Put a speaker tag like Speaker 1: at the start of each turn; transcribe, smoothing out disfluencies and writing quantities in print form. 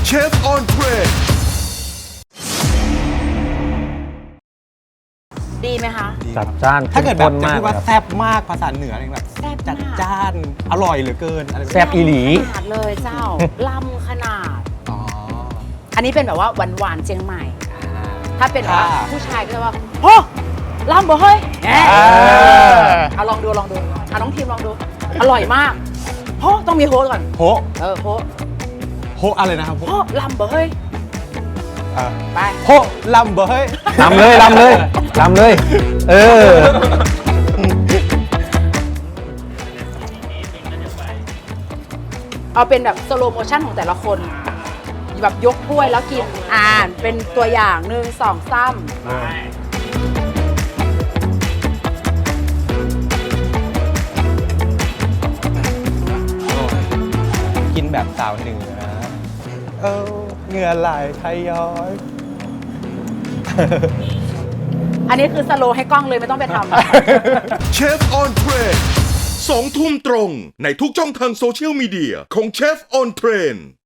Speaker 1: เชฟออนเทรน
Speaker 2: ดีไหมคะ
Speaker 3: จัดจ้าน
Speaker 4: ถ้าเกิดแบบจะ
Speaker 3: มาก
Speaker 4: พูดว่า
Speaker 3: ครับ
Speaker 4: แซ่บมากภาษาเหนืออะไรแบบ
Speaker 2: แซ่บ
Speaker 4: จัด
Speaker 2: มาก
Speaker 4: จ้านอร่อยเหลือเกินอะไรแบบ
Speaker 3: แซ่บอีหลี
Speaker 2: ขนาดเลยเจ้า ล่ำขนาด
Speaker 4: อ๋อ
Speaker 2: อันนี้เป็นแบบว่าหวานๆเชียงใหม่ ถ้าเป็นแบบ
Speaker 4: ค่ะ
Speaker 2: ว่าผู้ชายก็จะว่าโอ้ล่ำบ่เฮ้ยแหมเอาลองดูเอาน้องทีมลองดู อร่อยมากโอ้ต้องมีโฮก่อน
Speaker 4: โฮ
Speaker 2: โฮ
Speaker 4: โฮอะไรนะครับโฮ
Speaker 2: โอ้ล่ำบ่เฮ้ย
Speaker 4: อ่ะ
Speaker 2: ไป
Speaker 4: โฮลำเบอร์เฮ้ย
Speaker 3: ลำเลยลำเลยลำเลย เออ
Speaker 2: เอาเป็นแบบสโลโมชั่นของแต่ละคนแบบยกถ้วยแล้วกินเป็นตัวอย่าง1 2 3
Speaker 4: กินแบบสาวเหนือเหงื่อไหลทยอย
Speaker 2: อันนี้คือสโลให้กล้องเลยไม่ต้องไปทำ
Speaker 1: เชฟออนเทรน2 ทุ่มตรงในทุกช่องทางโซเชียลมีเดียของเชฟออนเทรน